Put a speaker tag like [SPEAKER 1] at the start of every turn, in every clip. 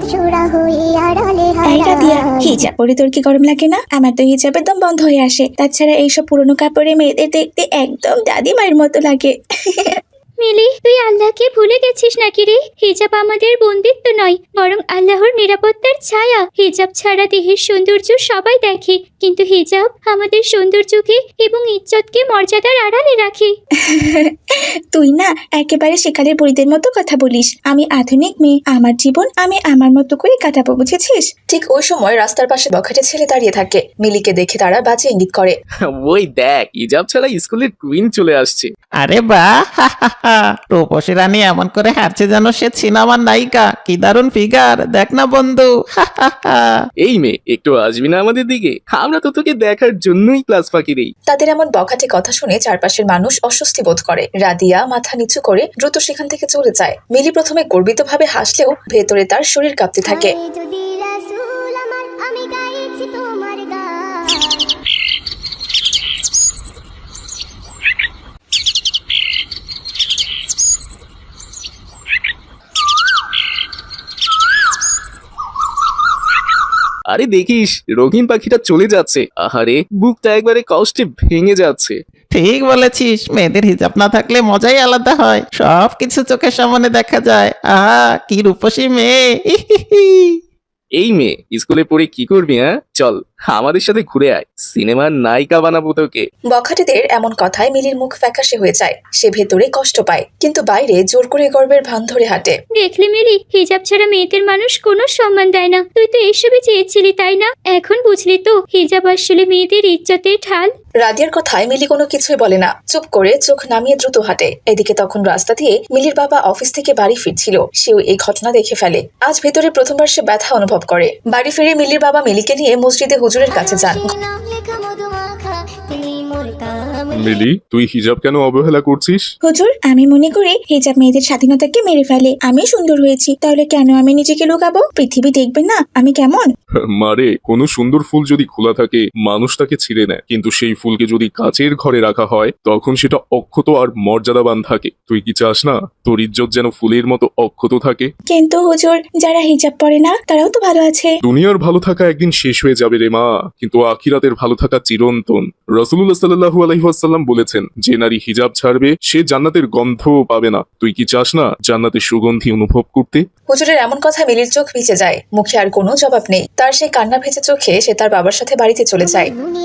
[SPEAKER 1] হিজাব পরে তোর কি গরম লাগে না? আমার তো হিজাব একদম বন্ধ হয়ে আসে। তাছাড়া এইসব পুরোনো কাপড়ে মেয়েদের দেখতে একদম দাদিমার মতো লাগে।
[SPEAKER 2] মিলি, তুই আল্লাহকে ভুলে গেছিস নাকি রে? হিজাব আমাদের বন্দিত্ব নয়, বরং আল্লাহর নিরাপত্তার ছায়া। হিজাব ছাড়া দেহের সৌন্দর্য সবাই দেখে, কিন্তু হিজাব আমাদের সৌন্দর্যকে এবং ইজ্জতকে মর্যাদার আড়ালে রাখে।
[SPEAKER 1] তুই না একেবারে সেকালের বুড়িদের মতো কথা বলিস। আমি আধুনিক মেয়ে, আমার জীবন আমি আমার মতো করে কাটাবো, বুঝেছিস?
[SPEAKER 3] ঠিক ওই সময় রাস্তার পাশে বখাটে ছেলে দাঁড়িয়ে থাকে। মিলিকে দেখে তারা বাজে ইঙ্গিত করে।
[SPEAKER 4] ওই দেখ, হিজাব ছাড়া স্কুলের কুইন চলে আসছে।
[SPEAKER 5] আরে বাহ, রূপসী রানী এমন করে হারছে যেন সে সিনেমার নায়িকা। কি দারুণ ফিগার, দেখ না বন্ধু।
[SPEAKER 4] এই মেয়ে, একটু আসবি না আমাদের দিকে? আমরা তো তোকে দেখার জন্যই ক্লাস ফাঁকি দেই।
[SPEAKER 3] তাদের এমন বখাটে কথা শুনে চারপাশের মানুষ অস্বস্তি বোধ করে। রাদিয়া মাথা নিচু করে দ্রুত সেখান থেকে চলে যায়। মিলি প্রথমে গর্বিতভাবে হাসলেও ভেতরে তার শরীর কাঁপতে থাকে।
[SPEAKER 4] আরে দেখিস, রঙিন পাখিটা চলে যাচ্ছে। আহারে, বুকটা একবারে কষ্টে ভেঙে যাচ্ছে।
[SPEAKER 5] ঠিক বলেছিস, মেয়েদের হিজাব না থাকলে মজাই আলাদা হয়। সবকিছু চোখের সামনে দেখা যায়। আহা, কি রূপসী মেয়ে।
[SPEAKER 4] এই মেয়ে, স্কুলে পড়ে কি করবি? হ্যাঁ, চল আমাদের সাথে ঘুরে আয়, সিনেমার নায়িকা বানাবো তোকে।
[SPEAKER 3] বখাটেদের এমন কথায় মিলির মুখ ফ্যাকাশে হয়ে যায়। সে ভেতরে কষ্ট পায়, কিন্তু বাইরে জোর করে গর্বের ভান ধরে হাঁটে।
[SPEAKER 2] দেখলি মিলি, হিজাব ছাড়া মেয়েদের মানুষ কোনো সম্মান দেয় না। তুই তো এসবই চেয়েছিলি, তাই না? এখন বুঝলি তো হিজাব আসলে মেয়েদের ইজ্জতের ঢাল।
[SPEAKER 3] রাদিয়ার কথায় মিলি কোনো কিছুই বলে না, চুপ করে চোখ নামিয়ে দ্রুত হাঁটে। এদিকে তখন রাস্তা দিয়ে মিলির বাবা অফিস থেকে বাড়ি ফিরছিল। সেও এই ঘটনা দেখে ফেলে। আজ ভেতরে প্রথমবার সে ব্যথা অনুভব করে। বাড়ি ফিরে মিলির বাবা মিলিকে নিয়ে মসজিদে হুজুরের কাছে যান।
[SPEAKER 6] মিলি, তুই হিজাব কেন অবহেলা করছিস?
[SPEAKER 1] হুজুর, আমি মনে করি হিজাব মেয়েদের স্বাধীনতাকে মেরে ফেলে। আমি সুন্দর হয়েছি, তাহলে কেন আমি নিজেকে লুকাবো? পৃথিবী দেখবে না আমি কেমন?
[SPEAKER 6] মারে, কোনো সুন্দর ফুল যদি খোলা থাকে মানুষ তাকে ছিঁড়ে নেয়, কিন্তু সেই ফুলকে যদি কাচের ঘরে রাখা হয় তখন সেটা অক্ষত আর মর্যাদাবান থাকে। তুই কি চাস না তোর ইজ্জত যেন ফুলের মতো অক্ষত থাকে?
[SPEAKER 1] কিন্তু হুজুর, যারা হিজাব পরে না তারাও তো ভালো আছে।
[SPEAKER 6] দুনিয়ার ভালো থাকা একদিন শেষ হয়ে যাবে রে মা, কিন্তু আখিরাতের ভালো থাকা চিরন্তন। রাসূলুল্লাহ সাল্লাল্লাহু আলাইহি ওয়াসাল্লাম বলেছেন, যে নারী হিজাব ছাড়বে সে জান্নাতের গন্ধও পাবে না। তুই কি চাস না জান্নাতের সুগন্ধি অনুভব করতে?
[SPEAKER 3] হুজুরের এমন কথা মিলির চোখ ভিজে যায়। মুখে আর কোনো জবাব নেই। তার সেই কান্না ভেজে চোখে সে তার বাবার সাথে বাড়িতে চলে যায়।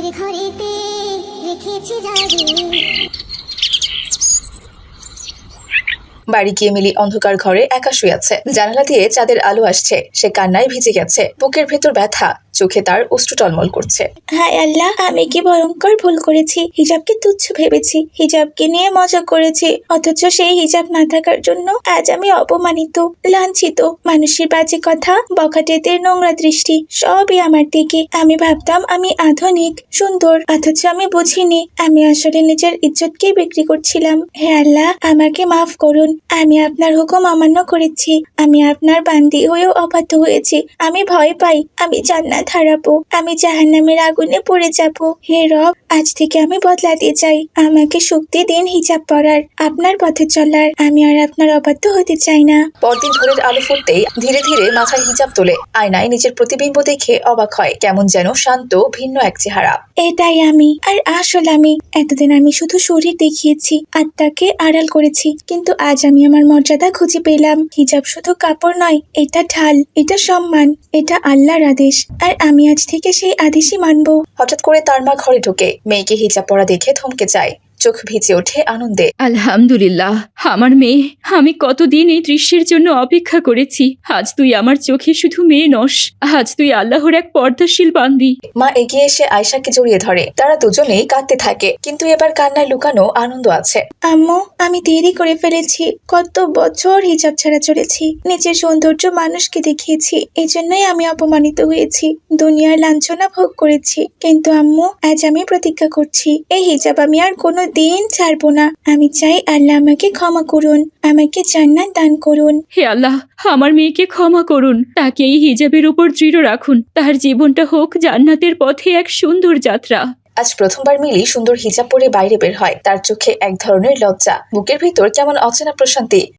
[SPEAKER 3] বাড়ি গিয়ে মিলি অন্ধকার ঘরে একা শুয়ে আছে। জানালা দিয়ে চাঁদের আলো আসছে। সে কান্নায় ভিজে গেছে। বুকের ভেতর ব্যথা, চোখে তার অশ্রু টলমল করছে।
[SPEAKER 1] হায় আল্লাহ, আমি কি ভয়ঙ্কর ভুল করেছি। হিজাবকে তুচ্ছ ভেবেছি, হিজাবকে নিয়ে মজা করেছি, অথচ সেই হিজাব না থাকার জন্য আজ আমি অপমানিত, লাঞ্ছিত। মানুষের বাজে কথা, বখাটেদের নোংরা দৃষ্টি সবই আমার দিকে। আমি ভাবতাম আমি আধুনিক সুন্দর, অথচ আমি বুঝিনি আমি আসলে নিজের ইজ্জতকে বিক্রি করছিলাম। হে আল্লাহ, আমাকে মাফ করুন। আমি আপনার হুকুম অমান্য করেছি। আমি আপনার বান্দি হয়েও অবাধ্য হয়েছি। আমি ভয় পাই আমি জান্নাত হারাবো, আমি জাহান্নামের আগুনে পড়ে যাব। হে রব, আজ থেকে আমি বদলাতে চাই। আমাকে শক্তি দিন হিজাব পরার, আপনার পথে চলার। আমি আর আপনার অবাধ্য হতে চাই না।
[SPEAKER 3] পরদিন ভোরের আলো ফুটতেই ধীরে ধীরে মাথায় হিজাব তোলে। আয়নায় নিজের প্রতিবিম্ব দেখে অবাক হয়। কেমন যেন শান্ত ভিন্ন এক চেহারা।
[SPEAKER 1] এটাই আমি, আর আসল আমি। এতদিন আমি শুধু শরীর দেখিয়েছি, আত্মাকে আড়াল করেছি, কিন্তু আজ আমি আমার মর্যাদা খুঁজে পেলাম। হিজাব শুধু কাপড় নয়, এটা ঢাল, এটা সম্মান, এটা আল্লাহর আদেশ। আর আমি আজ থেকে সেই আদেশই মানবো।
[SPEAKER 3] হঠাৎ করে তার মা ঘরে ঢোকে। মেয়েকে হিজাব পরা দেখে থমকে যায়। চোখ ভিজে ওঠে আনন্দে।
[SPEAKER 7] আলহামদুলিল্লাহ, আমার মেয়ে। আমি কতদিন এই দৃশ্যের জন্য অপেক্ষা করেছি। আজ তুই আমার চোখে শুধু মেয়ে নস, আজ তুই আল্লাহর এক পর্দাশীল বান্দি।
[SPEAKER 3] মা এগিয়ে এসে আয়শাকে জড়িয়ে ধরে। তারা দুজনেই কাঁদতে থাকে, কিন্তু এবার কান্নায় লুকানো আনন্দ আছে।
[SPEAKER 1] আম্মু, আমি দেরি করে ফেলেছি। কত বছর হিজাব ছাড়া চলেছি, নিজের সৌন্দর্য মানুষকে দেখিয়েছি, এই জন্যই আমি অপমানিত হয়েছি, দুনিয়ার লাঞ্ছনা ভোগ করেছি। কিন্তু আম্মু, আজ আমি প্রতিজ্ঞা করছি, এই হিজাব আমি আর কোনো দিন ছাড়বো না। আমি চাই আল্লাহ আমাকে ক্ষমা করুন, আমাকে জান্নাত দান করুন।
[SPEAKER 7] হে আল্লাহ, আমার মেয়েকে ক্ষমা করুন, তাকে এই হিজাবের উপর দৃঢ় রাখুন। তার জীবনটা হোক জান্নাতের পথে এক সুন্দর যাত্রা।
[SPEAKER 3] আজ প্রথমবার মিলি সুন্দর হিজাব পরে বাইরে বের হয়। তার চোখে এক ধরনের লজ্জা, বুকের ভিতর কেমন অচেনা প্রশান্তি।